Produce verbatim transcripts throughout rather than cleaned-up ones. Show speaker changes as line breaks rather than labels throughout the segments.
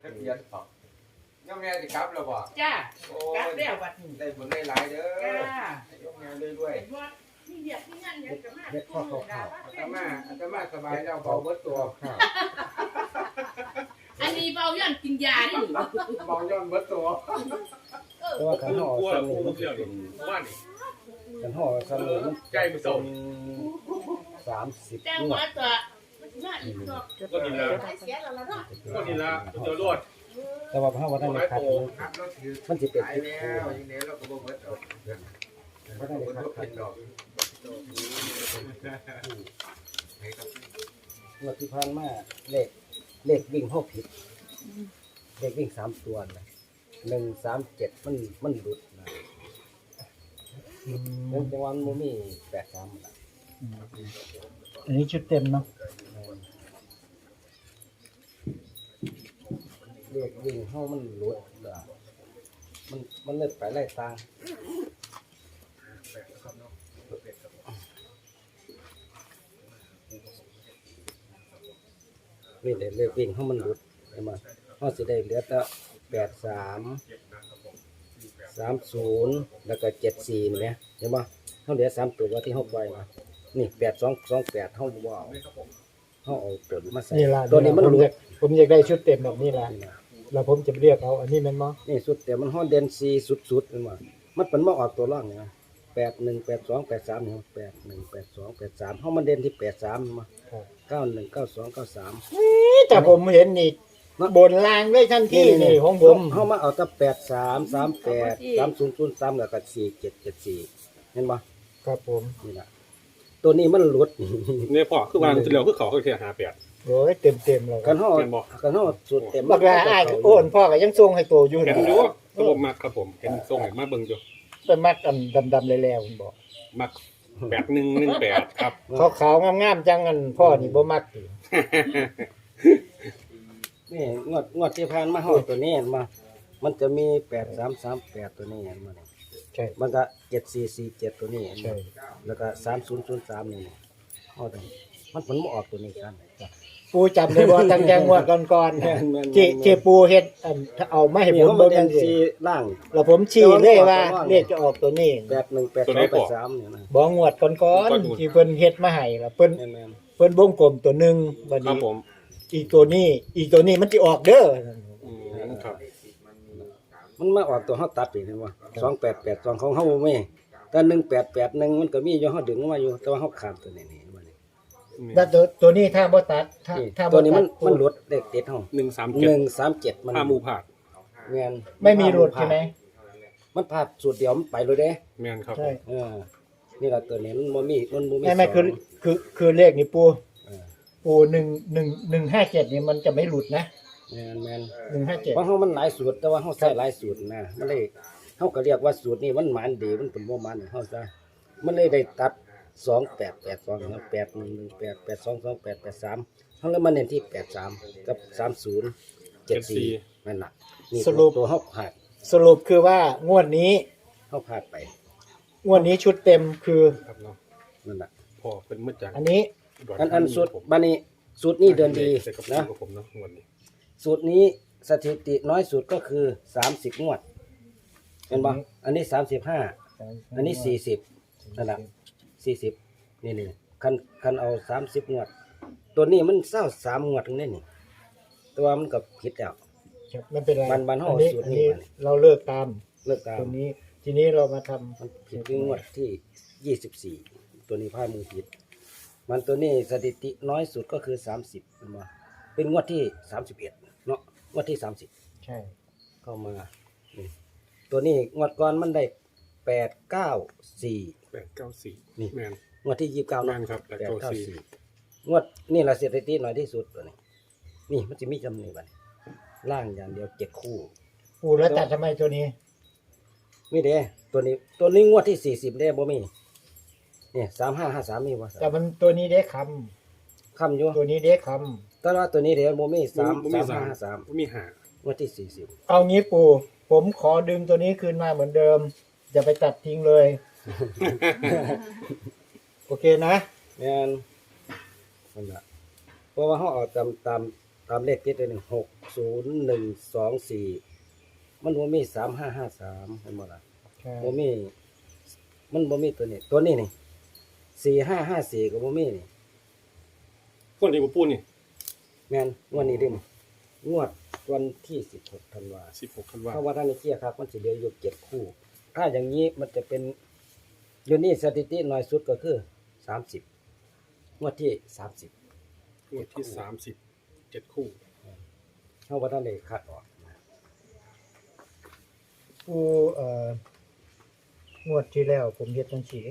ทะเบียนออกย่อมแม่สิครับเราบอก
จ้า
โอ้
กลับ
ย
แล้วบัดนี้
ได้ผลได้หลายเด้อ
จ้า
ย่อมแม่เลยด้วย
เห็นว่าที่เรียกที่นั่นเนี่ยจะมา
เฮ็ดข้อเข้าข้าว
อาตมาอาตมาสบายแล้วเบาเบิดตัว
ข้าว
อันนี้เบาย่อนกินยานี่
เบาย้อนเบิดตัว
แต่ว่าขันห่อ
กลัว
สนุ
กู
มัน
เที่ยวดิว่านี่
ขันห่อสนุมัน
ใกล้มือส่ง
สามสิบ
แต่
งว
ว่า
ด
ตัวมาอีกรอบ
ก็นี่ละ
เสียแล้วล่ะเนาะ
ก็นี่ละเดี๋ยวรวด
แต่ว่าพระว่าท่านได้คัด
ครับเราถือ
มันสิเป็น
ตาย
ทิศ
แล้
คู่
วยังไงเราก็บ่เบิดดอก
พระท่านได้คัดคัด
ดอก
งวดที่ผ่านมาเลขเลขวิ่งเข้าผิดเลขวิ่งสามตัวนะหนึ่งสามเจ็ดมันมันหลุดนะเรื่องจังหวะมันบ่มีแปดสามนะ
อันนี้ชุดเต็มเนาะ
เลขวิ่งเข้ามันหลุดนะมันมันเลยไปไล่ตางนี่เด็เลขวิ่งเข้ามันหลุดใช่ไหมเขาสิได้เหลือแต่แปดสามสามศูนย์แล้วก็เจ็ดสี่เนี่ยเห็นไหมเขาเหลือสามตัวที่เขาปล่อยมานี่แปดสองสองแปดเขาบ่เอาเขาเอาตัวมาใส่
นี่ล่ะ
ตัวนี้มัน
ผม
หลุ
อยา
ด
กผมอยากได้ชุดเต็มแบบนี้ล่ะ
นี่นะ
แล้วผมจะเรียกเอาอันนี้แม่นบ่
นี่สุดแต่มันห้อนเดนซีสุดๆเป็นว่ามันเป็นมาออกตัวร่องเนี่ยแปดหนึ่งแปดสองแปดสามเนี่ยแปดหนึ่งแปดสองแปดสามเขามันเด่นที่แปดสามมา
ครับ
เก้าหนึ่งเก้าสองเก้าสาม
แต่ผมเห็นนี่บนล่างเลยทันทีนี่ของผม
เขามาเอาตั้งแปดสามสามแปดสามศูนย์ศูนย์สามแล้วก็สี่เจ็ดเจ็ดสี่เห็นปะ
ครับผม
นี่แหละตัวนี้มันหลุด
เนี่ยพ่อคือวางที่แล้วคือเขาเขาเที่ยวหาแปด
โอ้ยเต็มเต็มๆแล้วค
กั
รั
น
บ
ห่อ
เห็นบ่
กันห่อสุดเต็ม
บักลาอ้ายก็โอนพ่อก็ยังส่งให้โตอยู่
เห็น
นะ
อยู่ก็ผมมักครับผมเห็นส่งให้มาเบิ่งอยู่
เป็นมัดอันดำๆแล้วๆผมบอก
มักแปดหนึ่งหนึ่งแปดครับ
ขาวๆงามๆจังอันพ่อนี่บ่มักติ
นี่งวดงวดที่ผ่านมาห่อตัวนี้เห็นมามันจะมีแปดสามสามแปดตัวนี้เห็นมาเนี่ย
ใช่
มันก็เจ็ดสี่สี่เจ็ดตัวนี้เห็น
ใช่
บ่แล้วก็สามศูนย์ศูนย์สามนี่ห่อตัวนี้มันผลมาออกตัวนี้กัน
ปูจำได้บ่ตั้งแต่งวดก่อน
แม่นแม่น
ๆที่ที่ปูเฮ็ดอันเอามาให้
นี่
ผม
เขา
เบิ่
มาง เรีย
จั
น
งซี่
ซีล่าง
แล้วผมชี้เลยว่าเลขจะออกตัวนี้
แปดหนึ่งแปดสองแปดสามเนี่ยนะ
บ่งวดก่อนๆที่เพิ่นเฮ็ดมาให้ล่ะเพิ่น
แม่นแม่น
เพิ่นวงกลมตัวหนึงบัด
ครับ
นี้
ผม
อีกตัวนี้ อีกตัวนี้มันสิออกเด้อ
อืมครับ
มันมาออกตัวเขาตัดอีกเห็นว่าสองแปดแปดสองของเขาไม่แต่หนึ่งแปดแปดหนึ่งมันก็มีอยู่เขาดึงมาอยู่แต่ว่าเขาขาดตัวนี้นี่มันนี่
แล้วตัวตัวนี้ถ้าบ่ตัดถ้าถ้า
ตั
บ่
วนี้
ตั
มั
ด
นมันหลุดเด็กติดห้อง
หนึ่งสาม
ห
เจ็ด
นึ่งสามเจ็ดมัน
ห้าหมูผาด
แม่น
ไม่มีหลุดใช่ไหม
มันพลาดสูตรเดียวมันไปเลยเด้
แม่นครับ
ใช่
เออนี่ละตัวนี้มันบ่มีมันบ่มี
ไม่ไม่คือ
สง
คือคือเลขนี่ปู
เออ
ปูหนึ่งหนึ่งหนึ่งห้าเจ็ดนี่มันจะไม่หลุดนะ
แม่นแม่น
หนึ่งห้าเจ็ด
เพราะเขามันหลายสูตรแต่ว่าเขาใส่หลายสูตรนะมันเลยเขาก็เรียกว่าสูตรนี้มันหมานดีมันเป็นบ่หมานเขาซะมันเลยได้ตัดสองแปดแปดสองแปดหนึ่งหนึ่งแปดแปดสองสองแปดแปดสามเขาเลยมาเน้นที่แปดสามกับสามศูนย์เจ็ดสี่นั่นแหละนี่ตัวเขาผ่าน
สรุปคือว่างวดนี้
เขาผ่านไป
งวดนี้ชุดเต็มคือ
ครับเนาะ
นั่นแหละ
พ่อเป็นมืดจัง
อันนี้
อันอันสูตรบานี้สูตรนี้เดินดี
ใส่กับ
นะ
ผมเนาะงวดนี้
สูตรนี้สถิติน้อยสุดก็คือสามสิบงวดเห็นปะอันนี้สามสิบห้าอันนี้สี่สิบนั่นแหละสี่สิบนี่นี่คันคันเอาสามสิบงวด ตัวนี้มันเศร้าสามงวดตรงนี้นี่ตัวมันก็ผิดแล้ว
ไม่เป็นไร
มันมันห่อ
อันนี้
สูตร
อัน
นี้
นี้
มาเนี่ย
เราเลิกตาม
เลิกตาม
ตัวนี้ ทีนี้เรามาทำ
มันผิดที่งวดที่ยี่สิบสี่ตัวนี้พลาดมือผิด มันตัวนี้สถิติน้อยสุดก็คือสามสิบเป็นมาเป็นงวดที่สามสิบเอ็ดเนาะงวดที่สามสิบ
ใช่
เข้ามานี่ตัวนี้งวดก่อนมันได้แปดเก้าสี่
แปดเก้าสี่
นี่
แม่น
งวดที่ยี่สิบเก้า
แม่นครับแปดเก้าสี่
งวดนี่แหละสถิติน้อยที่สุดตัวนี้นี่มันจะมีจำนวนบัดล่างอย่างเดียวเจ็ดคู่
ปูแล้วตัดทำไมตัวนี้
มีเด้ตัวนี้ตัวนี้งวดที่สี่สิบได้บ่มีเนี่ยสามห้าห้าสามมีบ่
แต่มันตัวนี้เด้ค
คำอยู่
ำตัวนี้เด้ค
แต่ว่าตัวนี้เดี๋ยวบ่มีสาม
บ่มี
สาม
สาม
ห้าห้าสาม
บ่มีหาง
วดที่สี่สิบ
ำเอางี้ปูผมขอดึงตัวนี้คืนมาเหมือนเดิมอย่าไปตัดทิ้งเลย โอเคนะ
แม่นนั่นล่ะเพราะว่าเขาเอาตามตามตามเลขติดเลยหนึ่งหกศูนย์หนึ่งสองสี่มันบ่มีสามห้าห้าสามเห็นบ่ล่ะ
ใช่
บ่มีมันบ่มีตัวนี้ตัวนี้นี่สี่ห้าห้าสี่ก็บ่มีนี่
พวกนี้บ่ปูนี่
แม่นงวดนี้เด้นี่งวดวันที่สิบหกธันวา
สิบหกธันวา
เพราะว่าท่านนี่เคลียร์ครับมันสิเหลืออยู่เจ็ดคู่ ถ้าอย่างนี้มันจะเป็นอยู่นี่สถิติน้อยสุดก็คือสามสิบงวดที่สามสิบ
งวดที่สามสิบเจ็ดคู่
เฮาบ่ทันได้คัดออกนะ
ปูเอ่องวดที่แล้วผมเฮ็ดจังซี่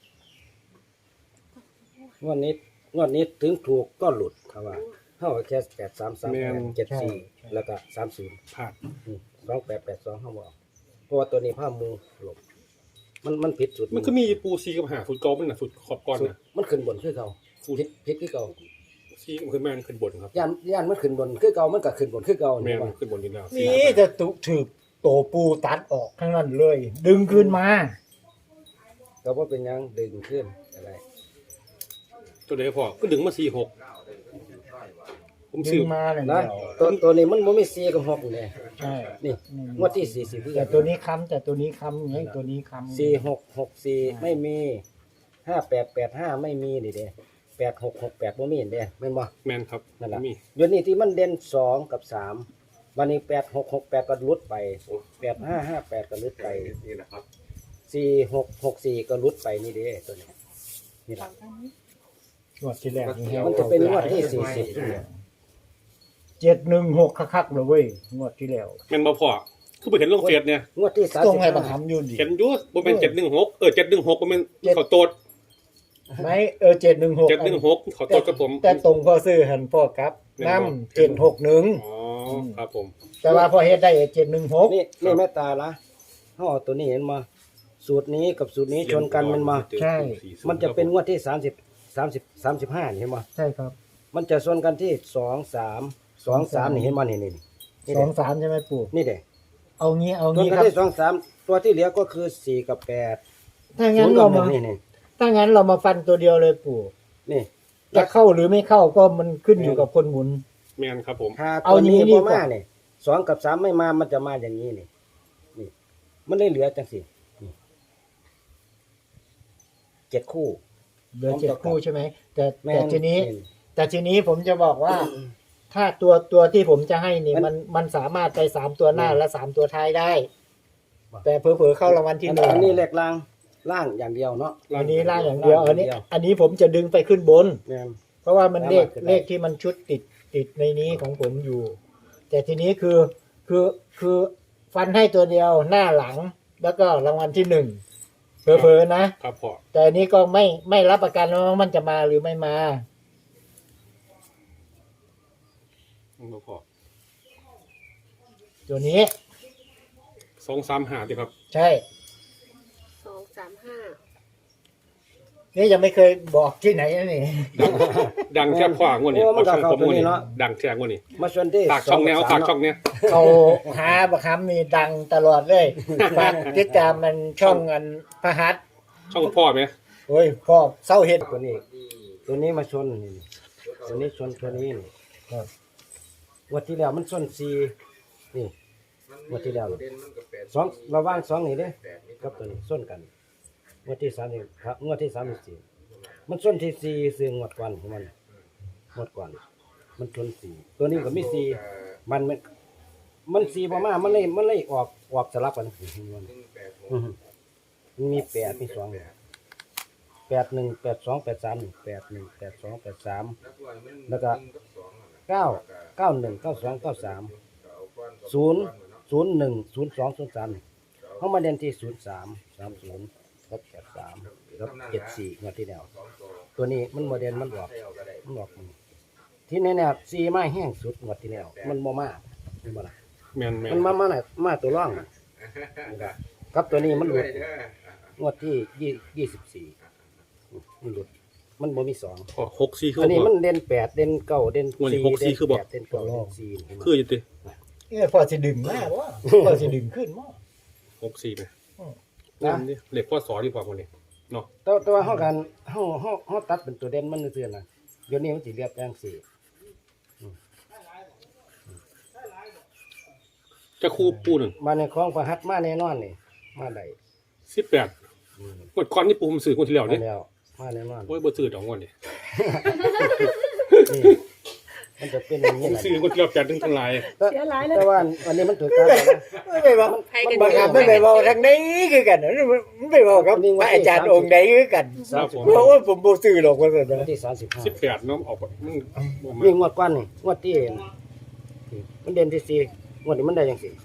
งวดนี้งวดนี้ถึงถูกก็หลุดครับว่าเฮาแค่แปด สาม สาม แปด เจ็ด สี่แล้วก็สามสิบ
พลาด
อืมสองแปดแปดสองเฮาบ่เอาเพราะว่าตัวนี้ภาพมูหลบมันมันผิดจุด
มันก็มีปูซีกับหาฟุตกอล์ฟมันน่ะฟุตขอบก่อน
สุด
น่ะ
มันขึ้นบนคือเก่าผิดผิดคือเก่า
ซีมันขึ้นแม่นขึ้นบนครับ
ย่านย่านมันขึ้นบนคือเก่ามันก็ขึ้นบนคือเก่า
แม่
นี่
น
ว่า
ขึ้นบนอยู่แล้ว
นี่จะตุถือโตปูตัดออกทั้งนั้นเลย ดึงคืนมา
ก็บ่เป็นหยังดึงขึ้นอะไร
ตัวเดียวพอก็ดึงมาสี่หกผม
ดึ
ซื้อง
มาเลย
นะ
เดียว
ตัวตัวนี้มันบ่มีสี่กับหกนี่
ใช่
นี่งวดที่สี่สิบคือ
แต่
กัน
ตัวนี้ค้ำแต่ตัวนี้ค้ำไงตัวนี้ค้ำ
สี่หกหกสี่ไม่มีห้าแปดแปดห้าไม่มีนี่เด้แปดหกหกแปดบ่มีเด้แม่นบ่
แม่นครับ
นั่นล่ะ
มี
เดี๋ยวนี้ที่มันเด่นสองกับสามวันนี้แปดหกหกแปดก็หลุดไปแปดห้าห้าแปดก็หลุดไป
นี่นะครับ
สี่หกหกสี่ก็หลุดไปนี่เด้ตัวนี้นี่ล่ะ
งวดที่แล้วนี่แฮว
มันจะเป็นงวดที่สี่สิบ
เจ็ดหนึ่งหกคักๆเลยเว้ยงวดที่แล้ว
แม่นบ่พอคือไปเห็นลงเฟซเนี่ย
งวดที่สาม
ต้อ
สิ
ง
บ
ให้บังคับอยู่ดิ
เห็นอยู่บ่แม่นเจ็ดหนึ่งหกเออเจ็ดหนึ่งหกบ่แม่นเขาโตด
ไหมเออเจ็ดหนึ่งหก
เจ็ดหนึ่งหกเขาโตดกับผม
แต่ตรงพอซื้อหันพ่อครับน้ำเจ็ดหกหนึ่ง
อ๋อครับผม
แต่ว่าพอเฮ็ดได้เจ็ดหนึ่งหก
นี่นี่แม่ตาละห่อตัวนี้เห็นมาสูตรนี้กับสูตรนี้ชนกันมันมา มันจะเป็นงวดที่สามสิบสามสิบสามสิบห้าเห็นมา
ใช่ครับ
มันจะชนกันที่สองสามสองสามนี่เห็นมานี่นี่นี่
สองสามใช่ไหมปู่
นี่เด้
เอางี้เอา
ชน
งี้
กัน
ครับ
ที่สองสามตัวที่เหลือก็คือสี่กับแปด
ถ้า
ศู
งั้
น
น
ย์กั
เรา
บหนึ่
มาง
นี่นี่
ถ้างั้นเรามาฟันตัวเดียวเลยปู่
นี่
จะเข้าหรือไม่เข้าก็มันขึ้นอยู่กับคนหมุน
แม่นครับผม
ถ้า
เอา
ตัว
อย่างนี้
นี้
ดี
บ่
กว่า
มาเนี่ยสองกับสามไม่มามันจะมาอย่างนี้นี่นี่ มันได้เหลือจังสินี่เจ็ดคู่
เหลือเจ็ดคู่ใช่ไหมแต่
แม่
แต่
น
ทีนี้
นี่
แต่ทีนี้ผมจะบอกว่า ถ้าตัวตัวที่ผมจะให้นี่
มัน
มันมันสามารถไปสามตัวหน้า
อืม
และสามตัวท้ายได้
ว่ะ
แต่เผลอๆเข้ารางวัลที่หนึ่ง
อันนี้เลขล่างล่างอย่างเดียวเนาะ
อันนี้ล่างอย่างเดียว
ล่าง
อันนี้
อย่างเดียว
อันนี้ผมจะดึงไปขึ้นบน
แม่น
เพราะว่ามันเลข
สามารถขึ้นได้
เลขที่มันชุดติดติดในนี้ของผมอยู่ แต่ทีนี้คือคือคือฟันให้ตัวเดียวหน้าหลัง แล้วก็รางวัลที่หนึ่งเผลอๆนะ
ครับพอ
แต่อันนี้ก็ไม่ไม่รับประกันว่ามันจะมาหรือไม่มา
บ่พอ
ตัวนี้
สองสามหาดิครับ
ใช่
สองสามห้า
นี่ยังไม่เคยบอกที่ไหนนะนี่
ดังแทบขวางวดนี้
โอ้มันก็
ช่องผม
เข้าตัว
งวด
นี้
นี้
เนาะ
ดังแทบงวดนี้
มาชนที่
ฝากช่องแนว
กับ
ฝาก
สม
ช่องเนี้ย
เขาหาบักคำนี่ดังตลอดเลยฝากติดตามมันช่องอันพหัส
ช่องพ่อไหม
โอ้ยพ่อเศร้าเห็ด
ตัวนี้ ตัวนี้มาชนนี่ตัวนี้ชนตัวนี้นี่
ครับ
งวันที่แล้วมันชนสี่นี่ งวดที่แล้ว
เด่นมันก็แปด
สองระหว่างสองนี่เด้
แปดนี่
กับตัวนี้ชนกันงวดที่สามนี่ครับงวดที่สามสิบสี่มันชนที่สี่ซึ่งงวดก่อนของมันงวดก่อน มันชนสี่ตัวนี้ก็มีสี่มันมันมันสี่ประมาณมันเลยมันเลยออกออกสลับกัน
หนึ่งแปดหก
อือฮึมันมีแปดมีสองแปดหนึ่งแปดสองแปดสามแปดหนึ่งแปดสองแปดสาม
แล้วก็มัน
แล้วก็
หนึ่งบสองอะนะ
เก้าเก้าหนึ่งเก้าสองเก้าสาม
เอาก้อนกับ
ศูนย์
ก้อเนาะ
ศูนย์หนึ่งศูนย์สองศูนย์สามเขามาเด่นที่ศูนย์สามสามศูนย์กับแปดสามกับเจ็ดสี่งวดที่แล้ว
สองตัว
ตัวนี้มันโมเดลมันบอก
ใส่เอาก็ได้
มันบอกมันที่แน่ๆสี่มาแห้งสุดงวดที่แล้วมันบ่มาเห็นบ่ล่ะ
แม่นแม่น
มันมามาไหนมาตัวร่องน่ะกับตัวนี้มันหลุด
เด้อง
วดที่ยี่ยี่สิบสี่มันหลุดมันบ่มีสอง
พอหกสี่คือ
อันนี้
พอ
มันเด่นแปดเด่นเก้าเด่น
งวดนี้
สี่
หกสี่
เด่น
คือบอก
แปดเด่นเก้าเด่นสี่เห็นบ่
คืออยู่ติ
เอ้ยพ่อสิดึงมากวะพ่อสิดึงขึ้นมั้ง
หกสี่ไหม
นะ
นี่เหล็กพ่อสอดีกว่าคนนี้เนาะ
แต่แต่ว่าเฮากันเฮาเฮาเฮาตัดเป็นตัวเด่นมันซื่อๆน่ะเดี๋ยวนี้มันสิเรียบจังสี่อืมอืม
จะคู่ปูนั่น
มาในคลองประหัตมาแน่นอนนี่มาได้
สิบแปด
อืม
งวดก่อนนี่ปูผมซื้อคนที่แล้ว
มา
เนี่ย
แล้วมาแน่นอน
โอ้ยบ่ซื้อดอกงวดนี่
นี่มันจะเป็นอย่าง
ผ
นี้
ม
แหละ
ซื้อคนที่แล้วแปดถึงทั้งหลาย
เสียหลายเลย
แต่ว่าวันนี้มันถือการแล้วนะ
ไม่ไปบอกมันบังคับไม่ไปบอกทางไหนคือกันมันไปบอกครับพระอาจารย์องค์ใดคือกัน
ครับผม
เพราะว่าผมบ่ซื้อหรอกว่าซั่น
วัน
นะ
ที่สามสิบห้า
สิบแปดเนาะออกมันบ่มา
นี่งวดก้อนนี่งวดที่มันเด่นที่สี่งวดนี้มันได้ยังสี่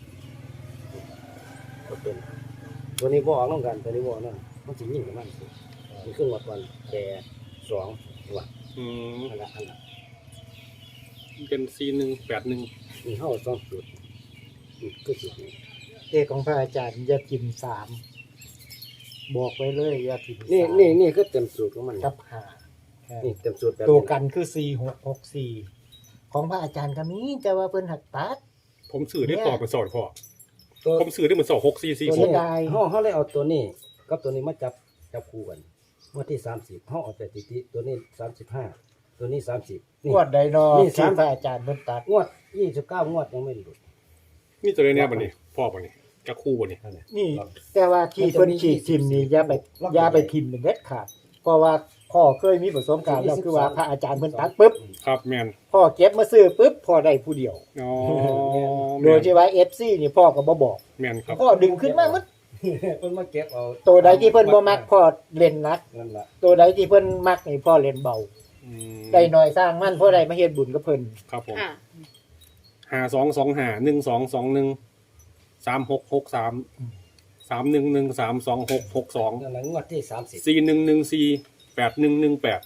ก็เป็นตัวนี้บออกน้องกันตัวนี้บออกนั่นมันสิยิ่งกว่ามันสิมีครึ่งงวดก้อนแก่สองตัว
อืม
อันละอันละ
เป็นสี่หนึ่งแปดหนึ่ง
มีเข้าสองจุดนี่คือจุดนี้
เลขของพระอาจารย์อย่าพิมพ์สามบอกไว้เลยอย่าพิมพ์
นี่
สาม
นี่นี่คือเต็มสูตรของมัน
กับห้า
นี่เต็มสูตรแบบ
ตัว
นี้
กันคือสี่หกหกสี่ของพระอาจารย์ก็มีแต่ว่าเพิ่นหักตัด
ผมซื้อได้พอเป็นสอนพอ
ตัว
ผมซื้อได้เหมือนสองหกสี่สี่
ตัว
ห
นี้
ก
ได้
เขาเขาเลยเอาตัวนี้กับตัวนี้มาจับจับคู่กันงวดที่สามสิบเขาเอาแต่ติติตัวนี้สามสิบห้าตัวนี้สามสิบนี่
งวดใดนอ
นี่
ที่
สาม
พระอาจารย์เพิ่นตัด
งวดยี่สิบเก้างวดยังไม่หลุด
นี่ตัวนี้เนี่ยบันนี้พ่อบันนี้จะคู่บันนี้
นั่นแหละ
นี่ แต่ว่าที่เพิ่นขีดทิมนี่อย่าไปอย่าไปทิมเป็นเด็ดขาดเพราะว่าพ่อเคยมีประสบการณ์แล้วคือว่าพระอาจารย์เพิ่นตัดปุ๊บ
ครับแมน
พ่อเก็บมาซื้อปุ๊บพ่อได้ผู้เดียว
อ๋อ
โดยที่ว่า เอฟ ซี นี่พ่อก็บ่บอก
แมนครับ
พ่อดึงขึ้นมาหมด
เพิ่นมาเก็บเอา
ตัวใดที่เพิ่นบ่มักพ่อเล่นหนัก
นั่นแหละ
ตัวใดที่เพิ่นมักนี่พ่อเล่นเบา
อืม
ได้น้อยสร้างมันพ่อได้มาเฮ็ดบุญกับเพิ่น
ครับผม
ค่ะ
หาสองสองหาหนึ่งสองสองหนึ่งสามหกหกสามสามหนึ่งหนึ่งสามสองหกหกสอง
นั่นแหละงวดที่สามสิบ
สี่หนึ่งหนึ่งสี่แปดหนึ่งหนึ่งแปด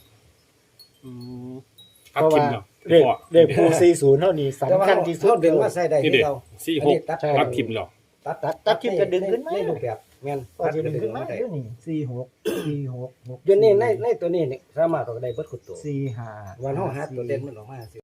ตัด
เพราะ
ทิ
ว่าม
เนาะ
เลขเลขผู้สี่สิบเท่านี้สำคัญที่สุด
เขาดึงมาใส่ได้
นี่
ที่
เด็ก
เรา
สี่
อัน
หก
นี้ตัด
ตัดทิมเหรอ
ตัดตัด
ตัดทิมก็ดึงขึ้นมา
ในรูปแบบแม่น
พ่อสิดึงขึ้นมาเดี๋ยวนี้สี่หก สี่หก
เดี๋ยวนี้ในในตัวนี้นี่สามารถเอาได้เบิดขุดตัว
สี่ห้า
วันเฮาหาตัวเด่นมันออกมาสิ